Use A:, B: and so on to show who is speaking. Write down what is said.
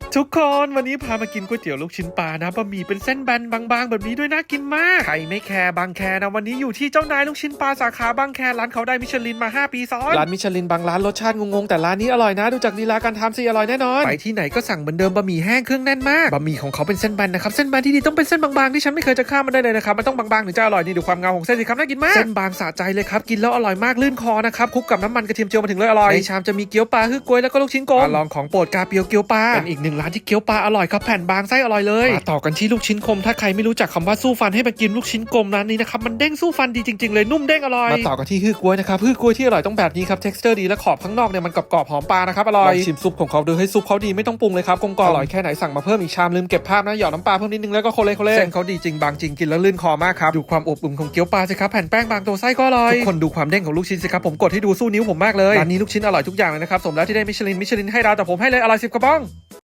A: ทุกคนวันนี้พามากินก๋วยเตี๋ยวลูกชิ้นปลานะบะหมี่เป็นเส้นแบนบางๆแบบนี้ด้วยน่ากินมากใครไม่แคร์บางแคนะวันนี้อยู่ที่เจ้านายลูกชิ้นปลาสาขาบางแคร้านเขาได้มิชลินมา5 ปีซ้อนร้านมิชลินบางร้านรสชาติงงๆแต่ร้านนี้อร่อยนะดูจากลีลาการทำสิอร่อยแน่นอนไปที่ไหนก็สั่งเหมือนเดิมบะหมี่แห้งเครื่องแน่นมากบะหมี่ของเขาเป็นเส้นแบนนะครับเส้นแบนที่ดีต้องเป็นเส้นบางๆที่ฉันไม่เคยจะข้ามมันได้เลยนะครับมันต้องบางๆถึงจะอร่อยนี่ดูความเงาของเส้นสิครับน่ากินมากเส้นบางสะใจเลยครับกินแล้วอร่อยมากลื่นคอนะครับคลุกกับน้ำมันกระเทียมเจียวมาถึงเลยอร่อยในชามจะมีเกี๊ยวปลาฮึ่ยกล้วยแล้วก็ลูกชิ้นกลมลองของโปรดกาเปียวเกี๊ยวปลาเป็นอีกหนึ่งร้านที่เกี๊ยวปลาอร่อยครับแผ่นบางไส้อร่อยเลยมาต่อกันที่ลูกชิ้นคมถ้าใครไม่รู้จักคำว่าสู้ฟันให้ไปกินลูกชิ้นกลมร้านนี้นะครับมันเด้งสู้ฟันดีจริงๆเลยนุ่มเด้งอร่อยมาต่อกันที่ฮึ่ยกล้วยนะครับฮึ่ยกล้วยที่อร่อยต้องแบบนี้ครับ texture ดีและขอบข้างนอกเนี่ยมันกรอบๆหอมปลานะครับอร่อยชิมซุปของเขาดูให้ซุปเขาดีไม่ต้องปรุงเลยครับกลมกล่อมอร่อยแค่ไหนสั่งมาเพิ่มอีกชามลืมเก็บภาพนะหยอดน้ำปลาเพิ่มนิดนึงแล้วก็โคเล่เส้นเขาดีจริงบางจริงกินแล้วลื่นคอมากครับดูความอบอุ่นของเกี๊ยวปลาสิครับแผ่นแป้งบางตัวไส้ก็อร่อยทุกคนดูความเด้งของลูกชิ้นสิครับผมกดให้ดูสู้นิ้วผมมากเลยร้านนี้ลูกชิ้นอร่อยทุกอย่างเลยนะครับสมแล้วที่ได้มิชลินให้ดาวแต่ผมให้เลยอร่อย10 กระป๋อง